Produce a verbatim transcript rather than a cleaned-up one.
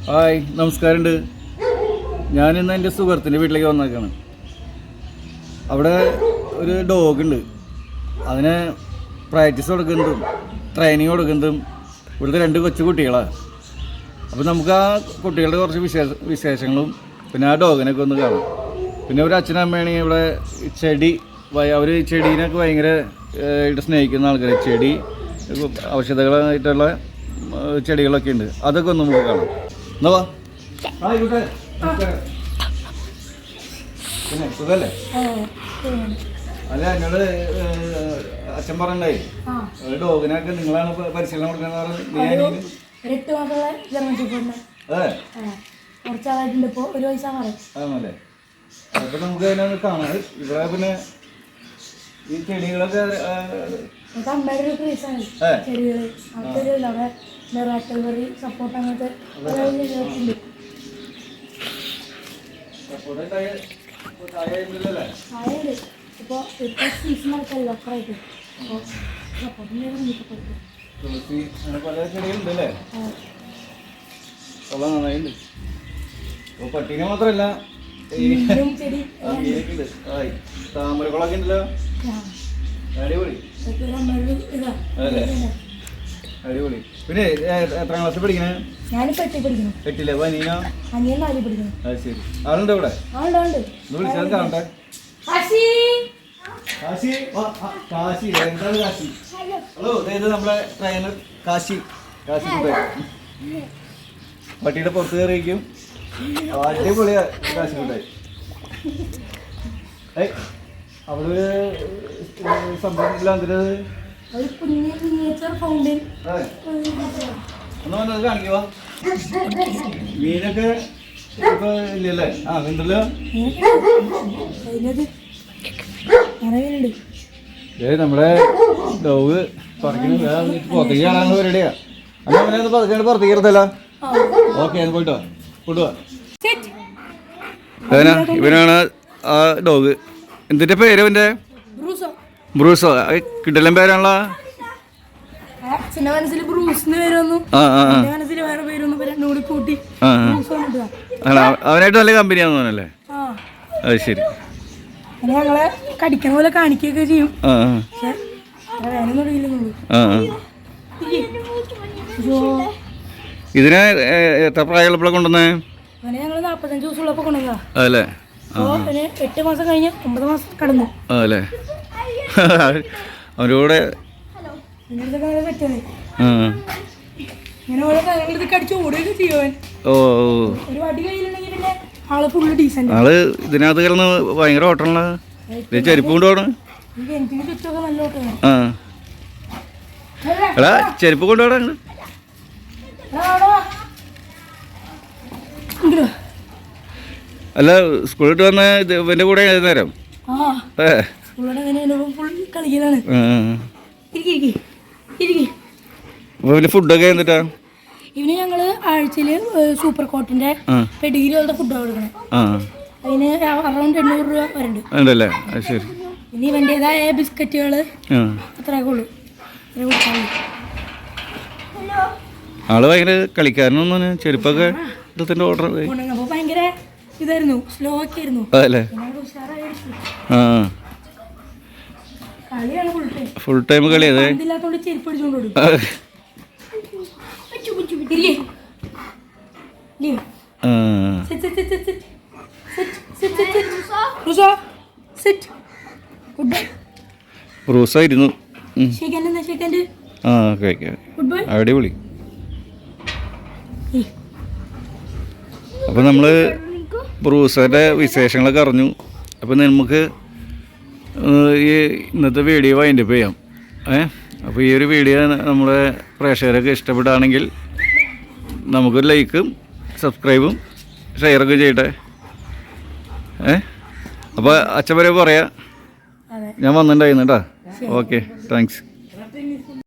Hi, നമസ്കാരമുണ്ട്. ഞാനിന്ന് എൻ്റെ സുഹൃത്തിൻ്റെ വീട്ടിലേക്ക് വന്നേക്കാണ്. അവിടെ ഒരു ഡോഗുണ്ട്. അതിന് പ്രാക്ടീസ് കൊടുക്കുന്നതും ട്രെയിനിങ് കൊടുക്കുന്നതും ഇവിടുത്തെ രണ്ട് കൊച്ചു കുട്ടികളാണ്. അപ്പോൾ നമുക്ക് ആ കുട്ടികളുടെ കുറച്ച് വിശേഷ വിശേഷങ്ങളും പിന്നെ ആ ഡോഗിനൊക്കെ ഒന്ന് കാണാം. പിന്നെ ഒരു അച്ഛനും അമ്മയാണെങ്കിൽ ഇവിടെ ചെടി അവർ ചെടീനൊക്കെ ഭയങ്കര ആയിട്ട് സ്നേഹിക്കുന്ന ആൾക്കാർ. ചെടി ഔഷധങ്ങളായിട്ടുള്ള ചെടികളൊക്കെ ഉണ്ട്. അതൊക്കെ ഒന്ന് നമുക്ക് കാണാം. എന്നാ വാ. ആയിക്കോട്ടെ. പിന്നെ സുഖല്ലേ? അല്ല, എന്നോട് അച്ഛൻ പറഞ്ഞേ ഡോഗിനൊക്കെ നിങ്ങളാണ് പരിശീലനം കൊടുക്കുന്നത്. ആണല്ലേ? അപ്പൊ നമുക്ക് അതിനൊന്ന് കാണാം. ഇവിടെ പിന്നെ ഈ ചെടികളൊക്കെ സപ്പോർട്ട് അങ്ങനത്തെ ഇപ്പോൾ ഇപ്പോൾ സീസണൊക്കെ അല്ല അപ്പുറമായിട്ട് അപ്പോൾ പല ചെടികളുണ്ടല്ലേ? കൊള്ളാം, നന്നായിട്ടുണ്ട്. അപ്പോൾ പട്ടീനെ മാത്രമല്ല താമരക്കുളമൊക്കെ ഉണ്ടല്ലോ. അടിപൊളി അല്ലേ? അടിപൊളി. പിന്നെ എത്രാം ക്ലാസ്സിൽ പഠിക്കണേ? ഞാനിപ്പോൾ എട്ടി പഠിക്കുന്നു. എട്ടില്ലേ? അപ്പൊ അനിയനോ? അനിയൻ നാലിൽ പഠിക്കുന്നു. അത് ശരി. ആളുണ്ടോ ഇവിടെ? ആളുണ്ട്. വിളിച്ചാൽ കാണട്ടെ. കാശി, എന്താണ് കാശി? ഹലോ, ഇത് നമ്മളെ ട്രെയിനർ കാശി. കാശി പട്ടിയുടെ പുറത്ത് കയറിയിരിക്കും. അടിപൊളിയാ കാശി കുട്ടായി. ഏയ് അവള് സംഭവം എന്തിനത്? ഒന്ന് വന്നത് കാണിക്കുവാ. മീനൊക്കെ ഇപ്പൊ ഇല്ലല്ലേ? ആ ഉണ്ടല്ലോ. ഏ നമ്മുടെ ഡോഗ് പുറത്തേക്ക് പുറത്തേക്ക് കാണാനുള്ള പരിപാടിയാ. അല്ല അവനെ ഒന്ന് പതുക്കെ പുറത്തേക്ക് ഇരുത്തല്ല. ഓക്കെ, അത് പോയിട്ടോ കൊണ്ടുപോവാ. ഇവനാണ് ആ ഡോഗ്. എന്തിന്റെ പേര് അവന്റെ? ബ്രൂസോ. കിട്ടലും പേരാണല്ലോ. അവനായിട്ട് നല്ല കമ്പനിയാന്ന് തോന്നല്ലേ? അത് ശരി. ഞങ്ങളെ കടിക്കുന്ന പോലെ കാണിക്കുകയൊക്കെ ചെയ്യും. ഇതിനെ എത്ര പ്രായമുള്ളപ്പോഴാണ് കൊണ്ടുവന്നേ? ഞങ്ങള് നാപ്പത്തഞ്ച് ദിവസമുള്ളപ്പോ കൊണ്ടുവന്നതാ. അതല്ലേ? എട്ട് മാസം കഴിഞ്ഞ് ഒമ്പത് മാസം കടന്നു. അതല്ലേ? അവരോടെ ആള് ഇതിനകത്ത് കിടന്ന് ഭയങ്കര ഓട്ടമുള്ള ചെരുപ്പ് കൊണ്ടുപോകണം. ആ എടാ, ചെരുപ്പ് കൊണ്ടുപോകണം. അല്ല, സ്കൂളിട്ട് വന്ന ഇവന്റെ കൂടെ നേരം ഫുഡൊക്കെ എന്നിട്ടാ? ഇവന് ഞങ്ങള് ആഴ്ചയില് സൂപ്പർ കോട്ടിന്റെ പെഡിഗ്രി പോലത്തെ ഫുഡാണ് കൊടുക്കണേ. അതിന് അറൗണ്ട് എണ്ണൂറ് രൂപ വരുന്നുണ്ട്. ശരി. ഇനി ഇവന്റേതായ ബിസ്ക്കറ്റുകള് അത്രയൊക്കെ ഉള്ളു. ആള് ഭയങ്കര കളിക്കാരനൊന്നും ചെരുപ്പൊക്കെ ഓർഡർ ഭയങ്കര ഇതായിരുന്നു, സ്ലോ ഒക്കെ ആയിരുന്നു. അതല്ലേ? ഫുൾ ടൈം കളി. അതെ, ചെരുപ്പ് അടിച്ചോണ്ട് ബ്രൂസായിരുന്നു. ആ അടിപൊളി. അപ്പം നമ്മൾ ബ്രൂസയുടെ വിശേഷങ്ങളൊക്കെ അറിഞ്ഞു. അപ്പം നമുക്ക് ഈ ഇന്നത്തെ വീഡിയോ വൈൻഡപ്പ് ചെയ്യാം. ഏ അപ്പോൾ ഈ ഒരു വീഡിയോ നമ്മുടെ പ്രേക്ഷകരൊക്കെ ഇഷ്ടപ്പെടുകയാണെങ്കിൽ നമുക്കൊരു ലൈക്കും സബ്സ്ക്രൈബും ഷെയറൊക്കെ ചെയ്യട്ടെ. ഏ അപ്പോൾ അച്ഛൻ വരെ പറയാം. ഞാൻ വന്നിട്ടുണ്ടായിരുന്നു കേട്ടോ. Okay, thanks.